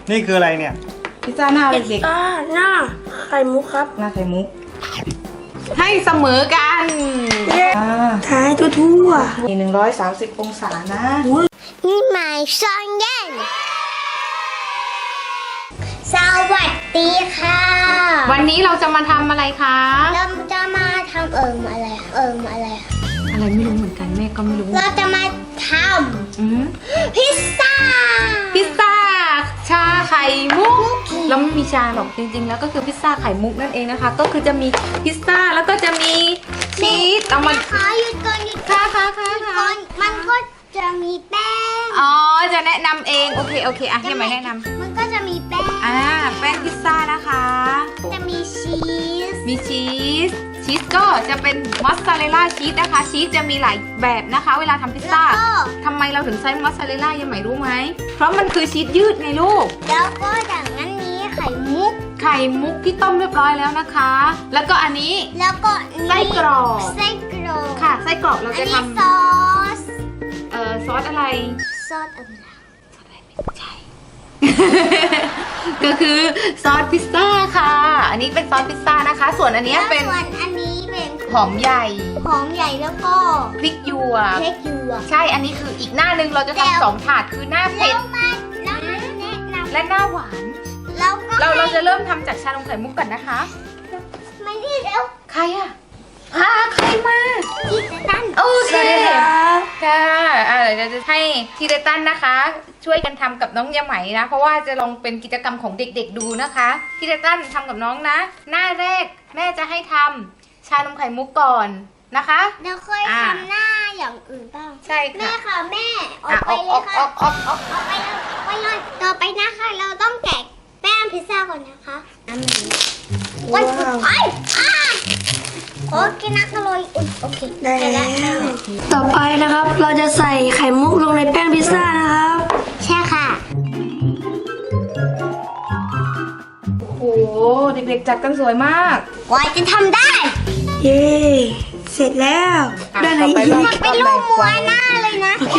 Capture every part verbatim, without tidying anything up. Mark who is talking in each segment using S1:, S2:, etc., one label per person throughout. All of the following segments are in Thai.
S1: นี่คืออะไรเนี่ยพิซซ่าหน้าเด็ก
S2: อ่าหน้าไข่มุกครับ
S1: ๆหน้าไข่มุกให้เสมอกันอ่า
S2: ท้ายทั่ว
S1: มีหนึ่งร้อยสามสิบองศานะ
S3: นี่หมายซอนเย็นสวัสดีค่ะ
S4: วันนี้เราจะมาทำอะไรคะ
S3: เราจะมาทำเอิมอะไรอะเอิมอะไรอะ
S4: อะไรไม่รู้เหมือนกันแม่ก็ไม่รู้
S3: เราจะมาท
S4: อืม
S3: ำพิซซ่า
S4: พิซซ่าชาไข่มุกแล้วไม่มีชาหรอกจริงๆแล้วก็คือพิซซ่าไข่มุกนั่นเองนะคะ ก็คือจะมีพิซซ่าแล้วก็จะมีชีสเอามา
S3: ขอหยุดก่อนหยุด
S4: ค่ะค่ะค่ะ
S3: ก่
S4: ค่ะ
S3: อนมันก็จะมีแป้ง
S4: อ๋อจะแนะนำเองโอเคโอเคอ่ะให้ไหมแนะนำ
S3: มันก็จะมีแป้ง
S4: อ่าแป้งพิซซ่านะคะ
S3: จะมีชีส
S4: มีชีสชีสก็จะเป็นมอสซาเรลล่าชีสนะคะชีสจะมีหลายแบบนะคะ เวลาทำพิซ
S3: แล้ว
S4: ซ่า
S3: ก็
S4: ทำไมเราถึงใช้มอสซาเรลล่ายังไม่รู้ไหมเพราะมันคือชีสยืดไงลูก
S3: แล้วก็อย่างนั้นนี้ไข่มุก
S4: ไข่มุกที่ต้มเรียบร้อยแล้วนะคะ แล้วก็อันนี้
S3: แล้วก็นี่
S4: ไส้กรอก
S3: ไส้กรอก
S4: ค่ะไส้กรอกเรา
S3: อัน
S4: จะ
S3: นี้
S4: ท
S3: ซอส
S4: ำเอ่อซอสอะไร
S3: ซอสอะไร
S4: ใช่ ก็คือซอสพิซซ่าค่ะ อันนี้เป็นซอสพิซซ่านะคะ ส่วนอันเนี้ยเป็น
S3: แล้วส่วนอันนี้เป็น
S4: หอมใหญ่
S3: หอมใหญ่แล้วก็
S4: พริกหยวก
S3: เค้กหยวก
S4: ใช่ อันนี้คืออีกหน้าหนึ่งเราจะ
S3: แล้ว
S4: ทำสองถาดคือหน้าเผ็
S3: แล้
S4: ด
S3: วมาแล้วมาแนะนำ
S4: และหน้าหวาน
S3: แล้วก็
S4: เราเราจะเริ่มทำจากชานมไข่มุกก่อนนะคะ
S3: ไม่ได้แล้ว
S4: ใครอะพาใครมา
S3: ที่จะตั้น
S4: โอ
S2: ๆ
S4: เค
S2: สวัสดีครับ
S4: ค่ะอ่าเดี๋ยวจะให้ทีเดตันนะคะ ช่วยกันทำกับน้องยาไหมนะ เพราะว่าจะลองเป็นกิจกรรมของเด็กๆดูนะคะทีเดตันทำกับน้องนะ หน้าแรกแม่จะให้ทำชานมไข่มุกก่อนนะคะ
S3: เราเคย
S4: อ่า
S3: ทำหน้าอย่างอื่นบ้าง
S4: ใช่
S3: แม่
S4: ค่ะ
S3: ค่ะแม่ออ
S4: อ่ะ
S3: กไป
S4: ออก
S3: เล
S4: อย อกอ
S3: ค่ะ
S4: อกออกออก
S3: ออกไปเลยออกไปเลยต่อไปนะคะ เราต้องแกะแป้งพิซซ่าก่อนนะคะน้ำมันว้าวไอ้อ้าโอเคนักอร่อยอุ๊ยโอเค
S2: ได้
S3: เสร็จ
S2: แล้
S3: แล้ว
S2: ว ต่อไปนะครับ เราจะใส่ไข่มุกลงในแป้งพิซซ่านะครับ
S3: ใช่ค่ะ
S4: โอ้โหเด็กๆจัดกันสวยมาก
S3: กว่าจะทำได้
S2: เย้ เสร็จแล้ว
S4: อ่ะ
S2: ได้อะไร
S4: ต่อไป
S2: อี
S4: เรา
S2: ก
S3: เป็นรูปมัวหน้าเลยนะ
S2: โอเค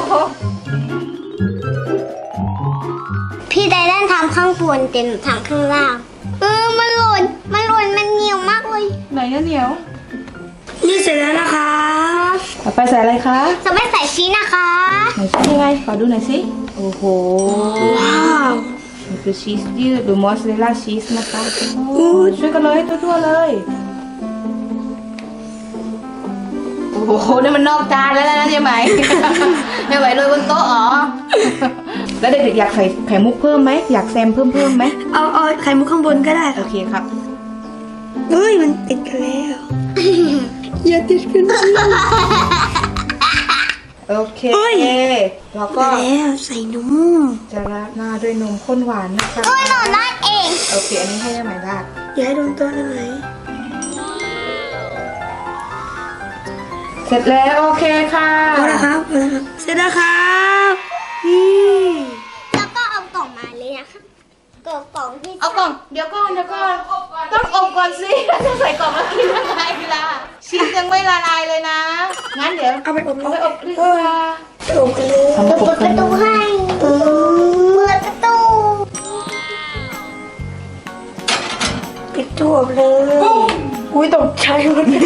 S3: พี่ไดแลนทำข้างบนเต็มทำข้างล่าง เออ มันหล่น มันหล่น มันเหนียวมากเลย
S4: ไหนอะเหนียว
S2: นี่เสร็จแล้วนะครับ
S1: ต่อไปใส่อะไรคะ
S3: จะไม่ใส่ชีสนะคะ
S1: ไหนชี้ยังไงขอดูหน่อยสิโอ้โห
S2: ว้าว
S1: นี่คือชีสยืดหรือมอสซาเรลล่าชีสนะคะโอ้ยช่วยกันเลยทั่วๆเลยโอ้โหนี่มันนอกจานแล้วนะใช่ไหม ไม่ไหวเลยบนโต๊ะอ๋อแล้วเด็กๆอยากใส่ไข่มุกเพิ่มไหมอยากแซมเพิ่มเพิ่มไหม
S2: เอาเอาไข่มุกข้างบนก็ได้ค
S1: โอ
S2: รับ
S1: เคครับ
S2: เฮ้ย มันติดกันแล้ว อย่าติดกันสิ
S1: โอเค
S2: เฮ้ย
S1: แล้วก็
S2: แล้วใส่นม
S1: จะราดหน้าด้วยนมข้นหวานนะคะ
S3: โอ้ยหนูราดเอง
S1: โอเคอันนี้ให้ได้ไหมราด
S2: อย่าให้โดนตัวได้ไหม
S1: เสร็จแล้วโอเคค่ะ
S2: พอแล้วครับพอแล้วครับ เสร็จแล้วครับนี่
S3: แล้วก็เอากล่องมาเลยนะคะกล่องกล่องที่
S4: เอากล่องเดี๋ยวก่อนเดี๋ยวก่อนต้องอบก่อนสิจะใส่กล่องแล้วกินยังไงล่ะชีสยังไม่ละลายเลยนะงั้นเดี๋ยว
S2: เอาไปอบ
S4: เอาไปอบดีก
S2: เออ
S4: ว่า
S2: ไปอบกันเลย
S1: ทำ
S3: เปิ
S1: ป
S3: ด
S1: ก
S3: ป
S1: กั
S3: ระ
S1: น
S3: ตูให้เปิดประตู
S2: ปิดตัวอบเลย อุ้ยตกใจหมดเลย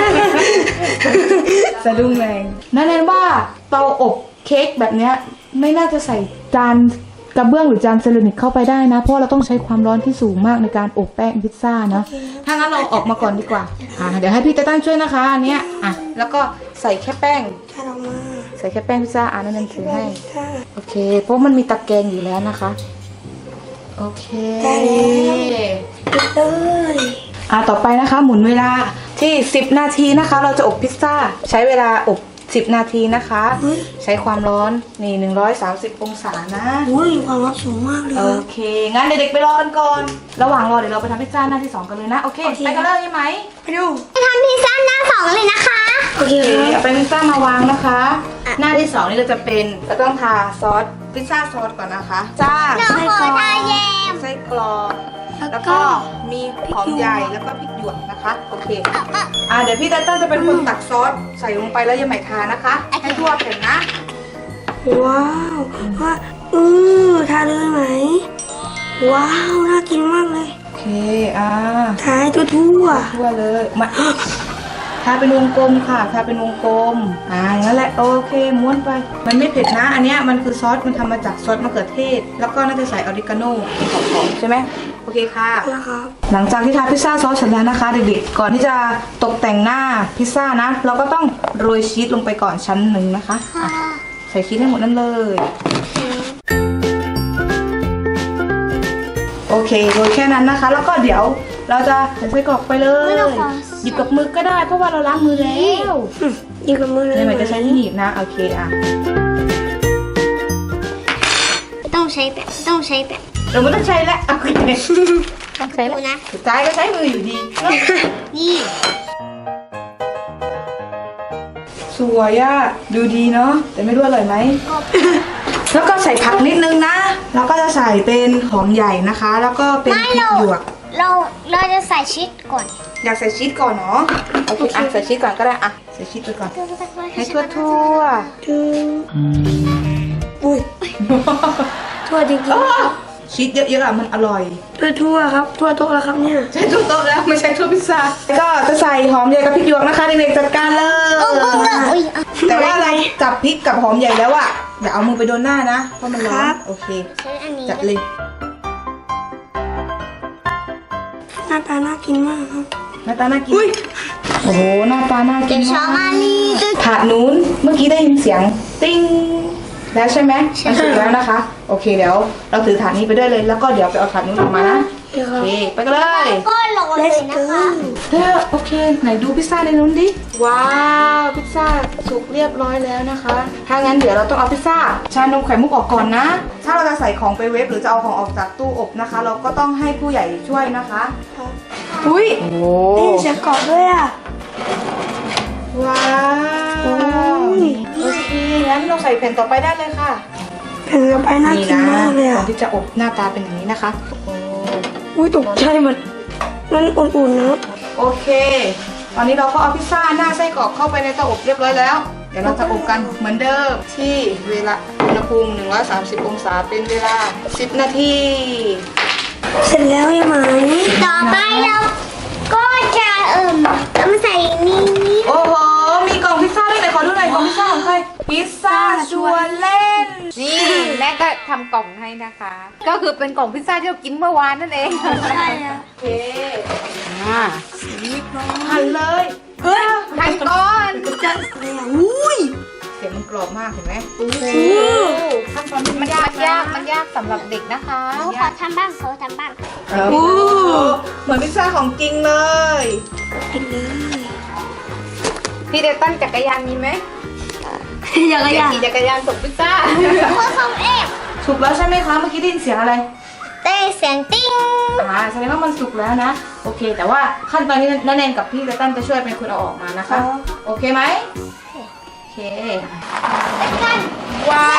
S1: สะดุ้งแรงนั่นแน่ว่าเตาอบเค้กแบบเนี้ยไม่น่าจะใส่จานกระเบื้องหรือจานเซรามิกเข้าไปได้นะ เพราะเราต้องใช้ความร้อนที่สูงมากในการอบแป้งพิซซ่านะถ้างั้นเราออกมาก่อนดีกว่าอ่าเดี๋ยวให้พี่ตาตั้งช่วยนะคะอันเนี้ยอ่ะแล้วก็ใส่แค่แป้ง
S2: ถ้าเรามา
S1: ใส่แค่แป้งพิซซ่าอ่านั่นนั่นถือให้
S2: ถ้า
S1: โอเค เพราะมันมีตะแกรงอยู่แล้วนะคะ โอเค
S2: ได้แล้ว ปิดเลย
S1: อ่าต่อไปนะคะ หมุนเวลาที่สิบนาทีนะคะ เราจะอบพิซซ่า ใช้เวลาอบสิบนาทีนะคะ ใช้ความร้อนนี่หนึ่งร้อยสามสิบองศานะ
S2: อุ้ยความร้อนสูงมากเลย
S1: โอ
S2: ครับ
S1: เค งั้นเด็กๆไปรอกันก่อน ระหว่างรอเดี๋ยวเราไปทำพิซซ่าหน้าที่สองกันเลยนะ โอเค ไปกันเลยใช่ไหม
S2: ไปดู
S3: จะทำพิซซ่าหน้าสองเลยนะคะ
S2: โอเค
S1: โอเค
S2: ครับ
S1: เอาไปพิซซ่ามาวางนะคะ หน้าที่สองนี่เราจะเป็นเราต้องทาซอสพิซซ่าซอสก่อนนะคะ จ้า
S3: หนูขอทาแยม
S1: ไส้กรอกแล้วก็มีหอมใหญ่แล้วก็พริกหยวกนะคะ โอเค อ่าเดี๋ยวพี่ตันตันจะเป็นคนตักซอสใส่ลงไปแล้วยังไหมทานะคะ ให้ทั่วแผ่นนะ
S2: ว้าวว่าอือทาเลยไหมว้าวน่ากินมากเลย
S1: โอเคอ่า
S2: ทายทั่วทั่ว
S1: ทั่วเลยมาทาเป็นวงกลมค่ะทาเป็นวงกลมอ่าอย่างนั้นแหละโอเคม้วนไปมันไม่เผ็ดนะอันเนี้ยมันคือซอสมันทำมาจากซอสมะเขือเทศแล้วก็น่าจะใส่ออริกาโน่หอมๆใช่ไหมโอเคค่ะ
S2: นะครับ
S1: หลังจากที่ทาพิซซ่าซอสเสร็จแล้วนะคะเด็กๆก่อนที่จะตกแต่งหน้าพิซซ่านะเราก็ต้องโรยชีสลงไปก่อนชั้นหนึ่งนะคะอ่ะใส่ชีสให้หมดนั่นเลยโอเคโรยแค่นั้นนะคะ แล้วก็เดี๋ยวเราจะใส่ไส้กรอกไปเลยหยิบกับมือก็ได้เพราะว่าเราล้างมือแล้ว
S2: อืมยิงกับมือเลย
S1: เนี่ยมันจะใช้ที่หนีบนะโอเคอ่ะ
S3: ต้องใช้แบบต้องใช้แบบ
S1: เราไม่ต้องใช้แล้วโอเค
S4: ต้องใช้
S3: ดูนะ
S1: สุดท้ายก็ใช้มืออยู่ดี
S3: นี่
S1: สวยอะดูดีเนาะแต่ไม่รู้อร่อยไหม แล้วก็ใส่ผักนิดนึงนะ แล้วก็จะใส่เป็นหอมใหญ่นะคะ แล้วก็เป็นพ
S3: ไม่
S1: ริก
S3: เรา
S1: หยวก
S3: เราเราจะใส่ชีสก่อน
S1: อยากใส่ชีสก่อนเนาะโอเคอ่ะใส่ชีสก่อนก็ได้อ่ะใส่ชีสไปก่อนให้ทั่วทั่ว
S2: ถึงอุ้ยทั่วจริงๆครับ
S1: ๆชีสเยอะๆอ่ะมันอร่อย
S2: ทั่วทั่วครับ ทั่วโต๊ะแล้วครับเนี่ย
S1: ใช้ทั่วโต๊ะแล้วไม่ใช่ทั่วพิซซ่าแล้วก็จะใส่หอมใหญ่กับพริกหยวกนะคะเด็กๆจัดการเลย
S3: โอ้โหโอ้ยอ่ะ
S1: แต่ว่าอะไรจับพริกกับหอมใหญ่แล้วอะอย่าเอามือไปโดนหน้านะเพราะมันร้อนโอเค
S3: ใช้อันนี้
S1: จัดเลย
S2: หน้าตาน่ากินมากครับ
S1: หน้าตาน่ากินโอ้โหหน้าตาน่ากิ
S3: เดี๋ย
S1: น
S3: วชอ
S1: มาก
S3: มาลีจะ
S1: ถาดนู้นเมื่อกี้ได้ยินเสียงติ้งแล้วใช่ไหมมันสุกแล้วนะคะ โอเคเดี๋ยวเราถือถาดนี้ไปด้วยเลย แล้วก็เดี๋ยวไปเอาถาดนู้นออกมานะ
S2: เดี๋ยว
S1: โอ
S2: ครับ
S1: เคไปกันเลย
S3: ก็ลงเลยนะคะ
S1: เฮ้ยโอเคไหนดูพิซซ่าในนู้นดิว้าวพิซซ่าสุกเรียบร้อยแล้วนะคะถ้างั้นเดี๋ยวเราต้องเอาพิซซ่าชานมไข่มุกออกก่อนนะ ถ้าเราจะใส่ของไปเวฟหรือจะเอาของออกจากตู้อบนะคะ เราก็ต้องให้ผู้ใหญ่ช่วยนะคะอุ้ยโอ้
S2: ได้ยินเสียงกรอบด้วยอ่ะ
S1: ว้าว
S2: อุ้ย
S1: โอเคงั้นเราใส่แผ่นต่อไปได้เลยค่ะ
S2: แผ่นต่อไปน่า
S1: นี่
S2: กิน
S1: นะ
S2: มากเลย
S1: ก่อ
S2: อ่ะ
S1: นที่จะอบหน้าตาเป็นอย่างนี้นะคะโอ้
S2: อุ้ยตกใจหมดมันอุ่นๆนะ
S1: โอเค ตอนนี้เราก็เอาพิซซ่าหน้าไส้กรอกเข้าไปในเตาอบเรียบร้อยแล้ว เดี๋ยวเราจะอบกันเหมือนเดิมที่เวลาอุณหภูมิหนึ่งร้อยสามสิบองศาเป็นเวลาสิบนาที
S2: เสร็จแล้วยังไหม
S3: ต่อไปเราก็จะเอิ่มเอามาใส่นี่นี่
S1: โอ้โห มีกล่องพิซซ่าด้วยไหนขอดูหน่อยกล่องพิซซ่าของใคร พิซซ่าชวนเล่น
S4: นี่แม่ก็ทำกล่องให้นะคะ ก็คือเป็นกล่องพิซซ่าที่เรากินเมื่อวานนั่นเอง
S2: ใช่อ่ะ
S1: โอเค
S4: อ่า
S1: หั่นเลย
S2: เฮ้ย
S4: หั่นก่อน
S2: จะอะไรอ่ะอุ้ย
S1: เสียงมันกรอบมากเห็นไหมโอ้โห
S2: โอ้
S1: ขั้นตอนนี้
S4: มั
S1: มัน น
S4: ยาย
S1: าก ก
S4: ยากมันยากสำหรับเด็กนะคะ
S3: เขาขอทำบ้างเขาทำบ้าง
S1: เออเหมือนพิซซ่าของจริงเลย
S2: กินเลย
S4: พี่เดตันจักรยานมีไหม
S2: อย่างไร
S4: อยาก
S2: อ่ะ
S4: ขี่จักรยานส่งพิซซ่า
S3: คนของเอฟ
S1: สุกแล้วใช่ไหมคะ เมื่อกี้ได้ยินเสียงอะไร
S3: เต้เสียงติ้ง
S1: อ่าแสดงว่ามันสุกแล้วนะ โอเค แต่ว่าขั้นตอนนี้นันแนนกับพี่เลตันจะช่วยเป็นคนเอาออกมานะคะ โอเคไหมโอเค
S3: กัน
S1: ว้าว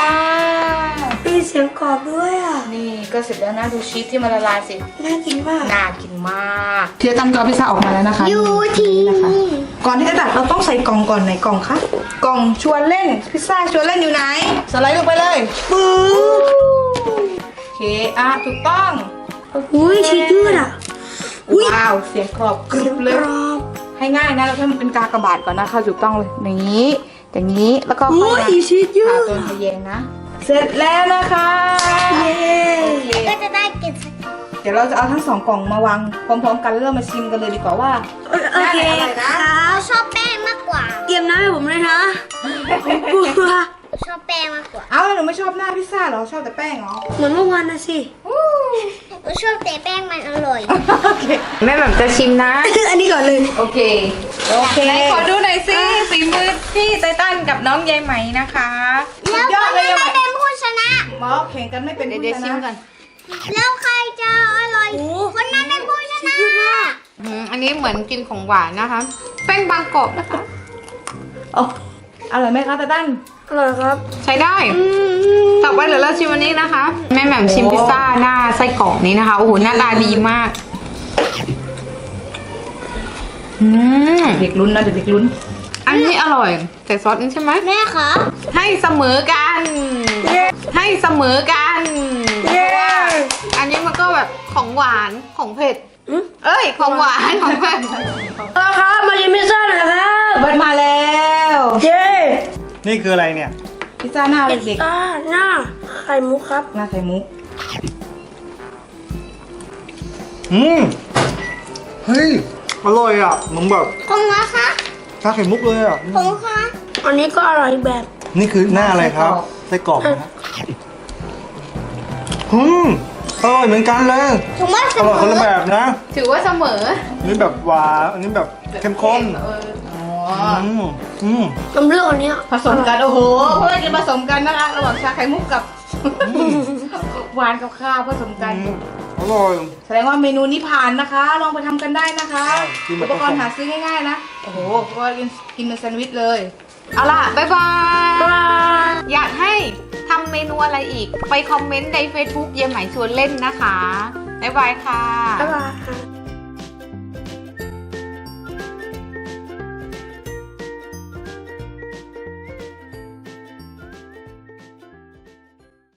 S2: มีเสียงกรอบด้วยอ่ะ
S1: นี่ก็เสร็จแล้วนะดูชีสที่มันละลายสิ
S2: น่ากินมาก
S1: น่ากินมากพี่เลตันก็เอาพิซซ่าออกมาแล้วนะคะ
S3: อยู่ที่
S1: นะคะ
S3: นี่
S1: ก่อนที่จะตัดเราต้องใส่กล่องก่อนไหนกล่องคะกล่องชวนเล่นพิซซ่าชวนเล่นอยู่ไหนสไลด์ลงไปเลยปื๊บโอเคอ่ะถูกต้อง
S2: อุ้ยชีสยืดอ่ะ อุ๊ย
S1: ว้าวเสียงกรอบกรุบเลย
S2: กรอบ
S1: ให้ง่ายนะเราให้มันเป็นกากบาทก่อนนะคะถูกต้องเลยอย่างนี้อย่างนี้แล้วก็ค่
S2: อุ้
S1: อย
S2: ย
S1: มา
S2: ชีสยื
S1: ผ่า
S2: ด
S1: ตัวทะเยงนะ เสร็จแล้วนะคะ
S2: เย้
S1: โอเค
S3: ก็จะได้กินสัก
S1: เดี๋ยวเราจะเอาทั้งสองกล่องมาวางพร้อมๆกันแล้วเรามาชิมกันเลยดีกว่าว่า
S2: โอเค
S1: ได้อะไรนะ
S3: เราชอบแป้งมากกว่า
S2: เตรียมน้ำให้ผมเลยนะกลัว
S3: ชอบแป้งมากกว่า
S1: เอ้าแล้วหนูไม่ชอบหน้าพิซซ่าเหรอชอบแต่แป้งเหรอ
S2: เหมือนเมื่อวานนะสิ
S3: เราชอบแต่แป้งมันอร่อย
S1: โอเค
S4: แม่แบบจะชิมนะ
S2: อันนี้ก่อนเลย
S1: โอเคโอเค
S4: ไหนขอดูหน่อยสิฝีมือพี่ไตตันกับน้องยายไหมนะคะ
S3: แล้วคนนั้นไม่เป็นผู้ชนะ
S1: หมอแข่งกันไม่เป็น
S4: เดี๋ยว
S1: ผู้
S4: เดี๋ยว
S1: ช
S4: ชิม
S1: นะ
S4: ก่อน
S3: แล้วใครจะอร่อย
S2: โอ้
S3: คนนั้นเป็นผู้ชนะ
S4: อืมอันนี้เหมือนกินของหวานนะคะ แป้งบางกรอบนะคะ
S1: โอ้อร่อยไหมคะตาตั้น
S2: อร่อยครับ
S4: ใช้ได้ ต่อไปเดี๋ยวเราชิมอันนี้นะคะ แม่แหม่มชิมพิซซ่าหน้าไส้กรอกนี้นะคะ โอ้โห หน้าตาดีมาก อืม
S1: เด็กลุ้นนะเด็กลุ้น
S4: อันนี้อร่อยใส่ซอสนี่ใช่ไหม
S3: แม่คะ
S4: ให้เสมอกัน ให้เสมอกัน
S2: เย้
S4: อันนี้มันก็แบบของหวานของเผ็ดเอ้ยของหวานของเผ็ด
S2: เอาครับมาชิมพิซซ่าหน่อยครับ
S1: เบิร์ดมาแล้ว
S2: เย้
S5: นี่คืออะไรเนี่ย
S1: พิซซ่าหน้าเด็ก
S2: อ่าหน้าไข่มุกครับ
S1: ๆหน้าไข่มุก
S5: อืม เฮ้ย อร่อยอ่ะเหมือนแบบ
S3: ของนะคะ
S5: ชาไข่มุกเลยอ่ะ
S3: ของคะ
S2: อันนี้ก็อร่อยอีกแบบ
S5: นี่คือหน้าอะไรครับ ไส้กรอกนะอืมอร่อยเหมือนกันเลย
S3: ถุงว่าเส
S5: อ
S3: ม
S5: ร่อยคนละ
S3: อ
S5: แบบนะ
S4: ถือว่าเสมอ
S5: อันนี้แบบหวานอันนี้แบบเข้มข้น
S4: เอออ๋อ
S5: อืมอืม
S2: น้ำเลือดอันเนี้ย
S1: ผสมกัน โอ้โหเพื่อนจะผสมกันนะคะ ระหว่างชาไข่มุกกับ หวานกับข้าวผสมกัน
S5: อืมอร่อย
S1: แสดงว่าเมนูนี้ผ่านนะคะ ลองไปทำกันได้นะคะ
S5: ใช่กินแบบ
S1: อุปกรณ์หาซื้อง่ายๆนะ โอ้โหก็กินกินเป็นแซนด์วิชเลย เอาล่ะ
S4: บ๊ายบาย อยากให้ทำเมนูอะไรอีก ไปคอมเมนต์ใน Facebook เยี่ยมไหมชวนเล่นนะคะ บ๊ายบายค่ะ
S2: บ๊ายบาย